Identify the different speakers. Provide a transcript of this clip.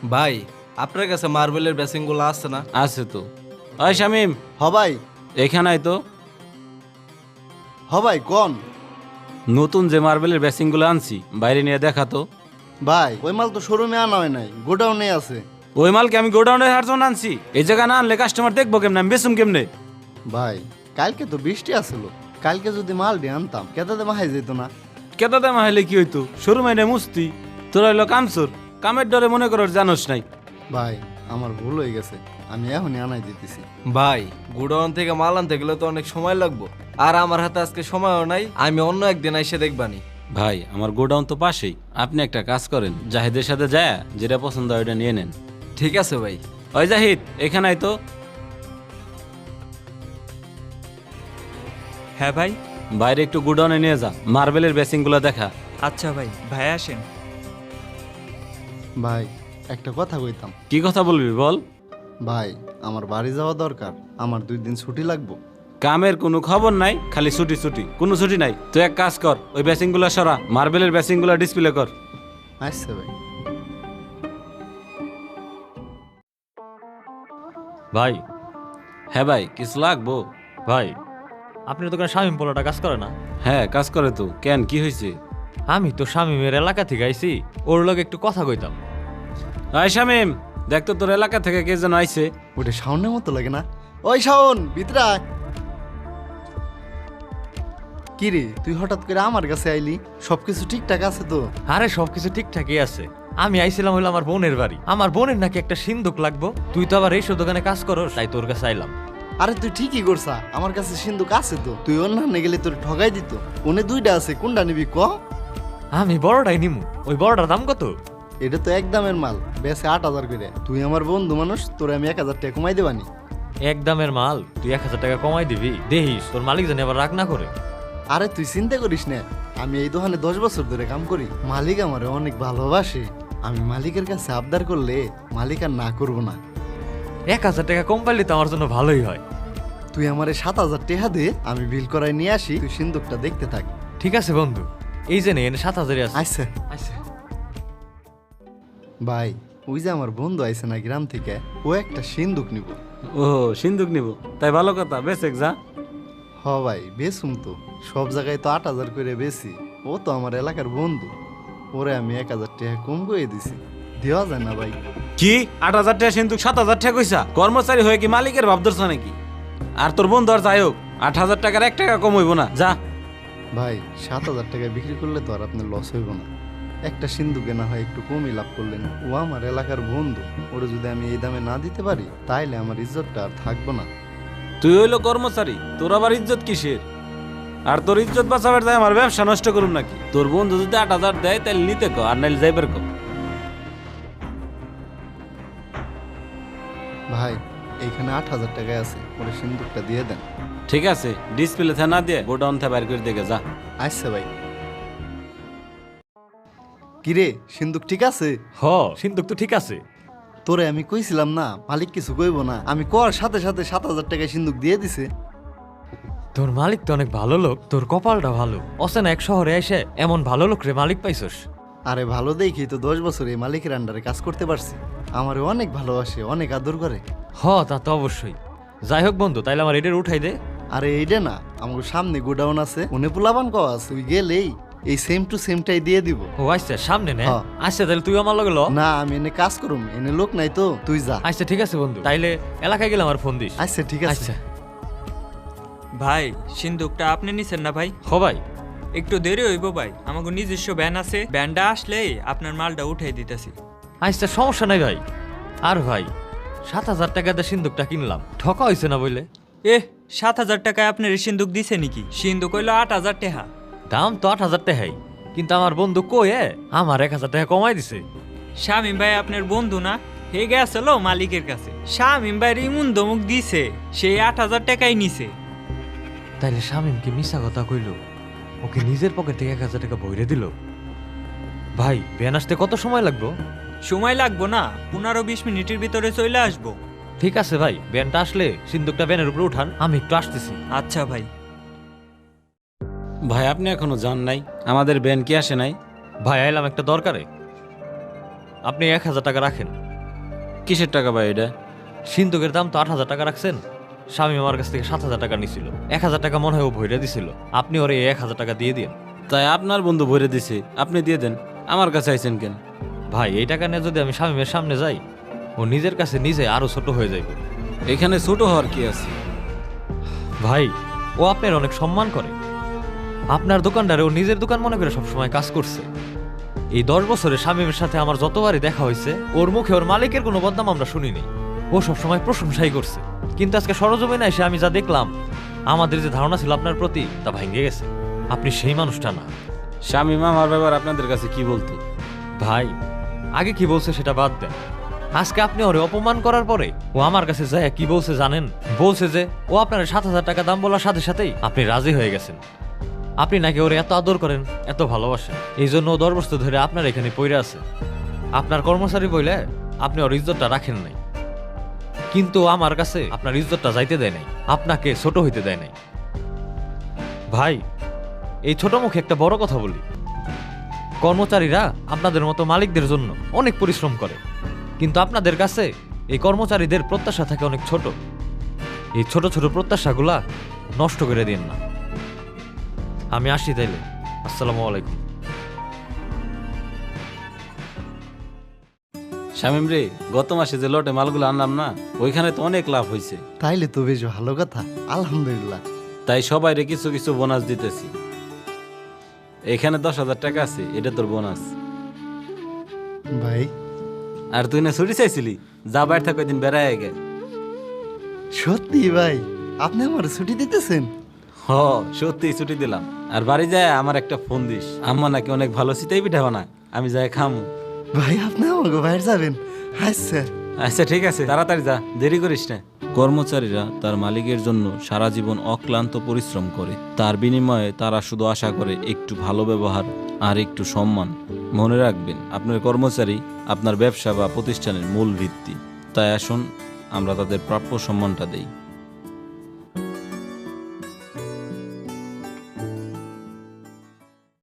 Speaker 1: ভাই আপনার কাছে মার্বেলের বেসিং গুলো আছে না?
Speaker 2: আছে তো। ওই শামিম,
Speaker 3: হ ভাই,
Speaker 2: এখানে তো
Speaker 3: হ ভাই কোন?
Speaker 2: নতুন যে মার্বেলের বেসিং গুলো আনছি বাইরে নিয়ে দেখা তো।
Speaker 3: ভাই ওই মাল তো শোরুমে আনা হয় নাই, গোডাউনে আছে।
Speaker 2: ওই মালকে আমি গোডাউনে হার জন্য আনছি, এই জায়গায় না আনলে কাস্টমার দেখবো কেমনে, আমি বেসুম কেমনে?
Speaker 3: ভাই কালকে তো বৃষ্টি আসলো, কালকে যদি মাল দিয়ে আনতাম কেতাতে মাহাই যেত না।
Speaker 2: কেতা দামা হলে কি হইতো, শোরুমে নে মুস্তি, তোরা হইলো কামচোর, কামের ডরে মনে করো জানোস নাই।
Speaker 3: ভাই আমার ভুল হয়ে গেছে, আমি এখনই আনাই দিতেছি।
Speaker 1: ভাই গুডাউন থেকে মাল আনতে গেলে তো অনেক সময় লাগবে, আর আমার হাতে আজকে সময়ও নাই। আমি অন্য একদিন এসে দেখবানি।
Speaker 2: ভাই আমার গোডাউন তো পাশেই, আপনি একটা কাজ করেন, জাহিদের সাথে যায় যেটা পছন্দ হয় ওটা নিয়ে নেন।
Speaker 1: ঠিক আছে ভাই।
Speaker 2: ওই জাহিদ এখানে তো।
Speaker 4: হ্যাঁ ভাই।
Speaker 2: বাইরে একটু গোডাউনে নিয়ে যা, মার্বেলের বেসিং গুলো দেখা।
Speaker 4: আচ্ছা ভাই, ভাই আসেন।
Speaker 3: ভাই একটা কথা কইতাম।
Speaker 2: কি কথা বলবি বল।
Speaker 3: ভাই আমার বাড়ি যাওয়া দরকার, আমার 2 দিন ছুটি লাগবো।
Speaker 2: কামের কোনো খবর নাই, খালি ছুটি ছুটি, কোনো ছুটি নাই। তুই এক কাজ কর, ওই বেসিং গুলো সরা, মার্বেলের বেসিং গুলো ডিসপ্লে কর।
Speaker 3: আচ্ছা ভাই।
Speaker 5: ভাই।
Speaker 2: হ্যাঁ ভাই, কিছু লাগবো?
Speaker 5: ভাই আপনার দোকানে শামিম পোলাটা কাজ করে না?
Speaker 2: হ্যাঁ কাজ করে তো, কেন কি হয়েছে?
Speaker 5: আমি তো শামিমের এলাকা থেকে আইছি, ওর লগে একটু কথা কইতাম।
Speaker 2: আয় শামিম, দেখ তো তোর এলাকা থেকে কে যেন আইছে।
Speaker 3: ওটা শাওনের মতো লাগে না? ওই শাওন ভিতরে আয়। কি রে তুই হঠাৎ করে আমার কাছে আইলি? সবকিছু ঠিকঠাক আছে তো?
Speaker 5: আরে সবকিছু ঠিকঠাকই আছে। আমি আইছিলাম হইলো আমার বোনের বাড়ি, আমার বোনের নাকি একটা সিন্দুক লাগবো। তুই তো আবার এইসব দোকানে কাজ করো, তাই তোর কাছে আইলাম।
Speaker 3: আরে তুই ঠিকই করছা, আমার কাছে সিন্ধুক আছে তো। তুই অন্যান্য গেলে তোর ঠগাই দিত। ওনে 2টা আছে, কোনটা নিবি ক?
Speaker 5: আমি বড়টাই নিমু। ওই বড়টার দাম কত?
Speaker 3: এটা তো একদমের মাল, বেশি 8,000 করে। তুই আমার বন্ধু মানুষ, তোরে আমি 1,000 টাকা কমাই দেবানি।
Speaker 5: এক দামের মাল তুই 1,000 টাকা কমাই দিবি? দেখিস তোর মালিক জানি আবার রাগ না করে।
Speaker 3: আরে তুই চিন্তা করিস না, আমি এই দোকানে 10 বছর ধরে কাম করি। মালিক আমারে অনেক ভালোবাসে। আমি মালিকের কাছে আবদার করলে মালিক আর না করবো না।
Speaker 5: 1,000 টাকা কম পাইলে তো আমার জন্য ভালোই হয়।
Speaker 3: তুই আমারে 7,000 টাকা দে, আমি বিল করাই নিয়ে আসি, তুই সিন্ধুকটা দেখতে থাক।
Speaker 5: ঠিক আছে বন্ধু, এই যে এনে 7,000 আছে।
Speaker 3: আচ্ছা
Speaker 5: আচ্ছা
Speaker 3: ভাই, ওই যে আমার বন্ধু আইছে না গ্রাম থেকে, ও একটা সিন্ধুক নিব।
Speaker 2: ও সিন্দুক নিব, তাই ভালো কথা, বেশ এক যা।
Speaker 3: হ ভাই বেচুম তো, সব জায়গায় তো 8,000 করে বেশি। ও তো আমার এলাকার বন্ধু, ওরে আমি 1,000 টাকা কম করে দিছি। দেওয়া যায় না ভাই?
Speaker 2: কি 8,000 টাকা সিন্দুক 7,000 টাকা কইসা? কর্মচারী হয়ে কি মালিকের ভাব ধরছ নাকি? আর তোর বন্ধু আর যাই হোক, 8,000 টাকার 1 টাকা কম হইব না, যা।
Speaker 3: ভাই 7,000 টাকা বিক্রি করলে তো আর আপনার লস হইব না। একটা সিন্ধুকে না হয় একটু কমই লাভ করলেন। ও আমার এলাকার বন্ধু, ওরে যদি আমি এই দামে না দিতে পারি তাইলে আমার ইজ্জতটা আর থাকবো না।
Speaker 2: তুই হইলো কর্মচারী, তোর আবার ইজ্জত কিসের? আর তোর ইজ্জত বাঁচাবার যায় আমার ব্যবসা নষ্ট করুন নাকি? তোর বন্ধু যদি 8,000 দেয় তাহলে নিতে কো, আর নাইলে যাইবার কো।
Speaker 3: ভাই এইখানে 8,000 টাকায় আছে, ওরে সিন্ধুকটা দিয়ে দেন।
Speaker 2: ঠিক আছে, ডিসপ্লে থে না দিয়ে গোডাউন থে বাইর করে দেখে যা।
Speaker 3: আচ্ছা ভাই। কিরে সিন্ধুক ঠিক আছে?
Speaker 5: হ, সিন্দুক তো ঠিক আছে।
Speaker 3: তোরে আমি কইছিলাম না মালিক কিছু কইব না, আমি কর সাথে সাথে 7,000 টাকা সিন্ধুক দিয়ে দিছে।
Speaker 5: তোর মালিক তো অনেক ভালো লোক, তোর কপালটা ভালো। অচেনা এক শহরে এসে এমন ভালো লোক রে মালিক পাইছস।
Speaker 3: আরে ভালো দেখি তো 10 বছর এই মালিকের আন্ডারে কাজ করতে পারছি। আমারে অনেক ভালোবাসে, অনেক আদর করে।
Speaker 5: হ তা তো অবশ্যই। যাই হোক বন্ধু, তাইলে আমার এটার উঠাই দে।
Speaker 3: আরে এইটা না, আমার সামনে গোডাউন আছে, উনি পোলাবান কওয়া আছে, তুই গেলেই এই সেম টু সেমটাই দিয়ে দিব।
Speaker 5: ও আচ্ছা, সামনে নে।
Speaker 3: হ্যাঁ।
Speaker 5: আচ্ছা তাহলে তুই আমার লগে ল।
Speaker 3: না আমি এনে কাজ করুম, এনে লোক নাই তো, তুই যা।
Speaker 5: আচ্ছা ঠিক আছে বন্ধু, তাইলে এলাকায় গেলে আমার ফোন দিস।
Speaker 3: আচ্ছা ঠিক আছে।
Speaker 5: আচ্ছা।
Speaker 4: ভাই সিন্দুকটা আপনি নিছেন না ভাই?
Speaker 5: হ ভাই।
Speaker 4: একটু দেরি হইব ভাই, আমাকে নিজস্ব ভ্যান আছে, ভ্যানটা আসলেই আপনার মালটা উঠাই দিতেছি।
Speaker 5: আচ্ছা সমস্যা নাই ভাই। আর ভাই 7,000 টাকা দিয়ে সিন্দুকটা কিনলাম, ঠকা হয়েছে না বইলে?
Speaker 4: 7,000 টাকায় আপনার এই সিন্দুক দিছে নাকি? সিন্দুক হইলো 8,000 টাকা।
Speaker 5: দাম তো 8,000 টাকাই, কিন্তু আমার বন্ধু কয়ে আমার 1,000 টাকা কমাই দিছে।
Speaker 4: শামিম ভাই আপনার বন্ধু না? হে গেছিল মালিকের কাছে, শামিম ভাইয়ের ইমুন দমুক দিছে, সেই 8,000 টাকাই নিছে।
Speaker 5: তাইলে শামিম কি মিশা কথা কইলো? ওকে নিজের পকেট থেকে 1,000 টাকা ভরে দিল? ভাই ভ্যান আসতে কত সময় লাগবে?
Speaker 4: সময় লাগবো না, 15-20 মিনিটের ভিতরে চলে আসবো।
Speaker 5: ঠিক আছে ভাই, ভ্যানটা আসলে সিন্দুকটা ভ্যানের উপরে উঠান, আমি একটু আসতেছি।
Speaker 4: আচ্ছা ভাই।
Speaker 2: ভাই আপনি এখনো যান নাই? আমাদের ব্যান কি আসে নাই?
Speaker 5: ভাই আইলাম একটা দরকারে, আপনি 1,000 টাকা রাখেন।
Speaker 2: কিসের টাকা ভাই এটা?
Speaker 5: সিন্ধুকের দাম তো 8,000 টাকা রাখছেন। স্বামী আমার কাছ থেকে 7,000 টাকা নিছিল। 1,000 টাকা মনে হয় ও ভইরা দিছিল। আপনি ওরে 1,000 টাকা দিয়ে দিন।
Speaker 2: তাই আপনার বন্ধু ভরে দিছে, আপনি দিয়ে দেন। আমার কাছে আইছেন কেন?
Speaker 5: ভাই এই টাকা নিয়ে যদি আমি স্বামীমের সামনে যাই, ও নিজের কাছে নিজে আরো ছোট হয়ে যাইবে।
Speaker 2: এখানে ছোট হওয়ার কি আছে?
Speaker 5: ভাই ও আপনার অনেক সম্মান করে। আপনার দোকানদারে ও নিজের দোকান মনে করে সবসময় কাজ করছে। এই 10 বছরে শামীমের সাথে আমার যতবারই দেখা হয়েছে, ওর মুখে ওর মালিকের কোনো বদনাম আমরা শুনিনি। ও সবসময় প্রশংসাই করছে। কিন্তু আজকে সরজমিনে এসে আমি যা দেখলাম, আমাদের যে ধারণা ছিল আপনার প্রতি তা ভেঙে গেছে। আপনি সেই মানুষটা না।
Speaker 2: শামীম আমার ব্যাপার আপনাদের কাছে কি বলতো?
Speaker 5: ভাই আগে কি বলছে সেটা বাদ দেন। আজকে আপনি ওরে অপমান করার পরে ও আমার কাছে যায় কি বলছে জানেন? বলছে যে ও আপনার 7,000 টাকা দাম বলার সাথে সাথেই আপনি রাজি হয়ে গেছেন। আপনি নাকি ওরে এত আদর করেন, এত ভালোবাসেন, এই জন্য ও 10 বছর ধরে আপনার এখানে পইরা আছে। আপনার কর্মচারী বইলে আপনি ওর ইজ্জতটা রাখেন নাই। কিন্তু ও আমার কাছে আপনার ইজ্জতটা যাইতে দেয় নাই, আপনাকে ছোট হইতে দেয় নাই। ভাই এই ছোট মুখে একটা বড় কথা বলি, কর্মচারীরা আপনাদের মতো মালিকদের জন্য অনেক পরিশ্রম করে, কিন্তু আপনাদের কাছে এই কর্মচারীদের প্রত্যাশা থাকে অনেক ছোট। এই ছোট ছোট প্রত্যাশাগুলা নষ্ট করে দিন না। আমি আসি তাইলে। আসসালামু আলাইকুম।
Speaker 2: শামীম রে, গত মাসে যে লটে মালগুলো আনলাম না, ওইখানে তো অনেক লাভ হয়েছে।
Speaker 3: তাইলে তো বেশ ভালো কথা, আলহামদুলিল্লাহ।
Speaker 2: তাই সবাইরে কিছু কিছু বোনাস দিতেছি। এখানে 10,000 টাকা আছে, এটা তোর বোনাস।
Speaker 3: ভাই
Speaker 2: আর তুই না ছুটি চাইছিলি, যা বাইরে থাক দিন বেড়ায় গে।
Speaker 3: সত্যি ভাই, আপনি আমার ছুটি দিতেছেন?
Speaker 2: হ, সত্যি ছুটি দিলাম। আর বাড়ি যায় আমার একটা ফোন দিস। আম্মা নাকি অনেক ভালো শীতাই পিঠা বানায়, আমি যাই খামু।
Speaker 3: ভাই আপনি আমাকে বাইরে যাবেন? আচ্ছা
Speaker 2: আচ্ছা ঠিক আছে, তাড়াতাড়ি যা, দেরি করিস না। কর্মচারীরা তার মালিকের জন্য সারা জীবন অক্লান্ত পরিশ্রম করে, তার বিনিময়ে তারা শুধু আশা করে একটু ভালো ব্যবহার আর একটু সম্মান। মনে রাখবেন, আপনার কর্মচারী আপনার ব্যবসা বা প্রতিষ্ঠানের মূল ভিত্তি। তাই আসুন আমরা তাদের প্রাপ্য সম্মানটা দেই।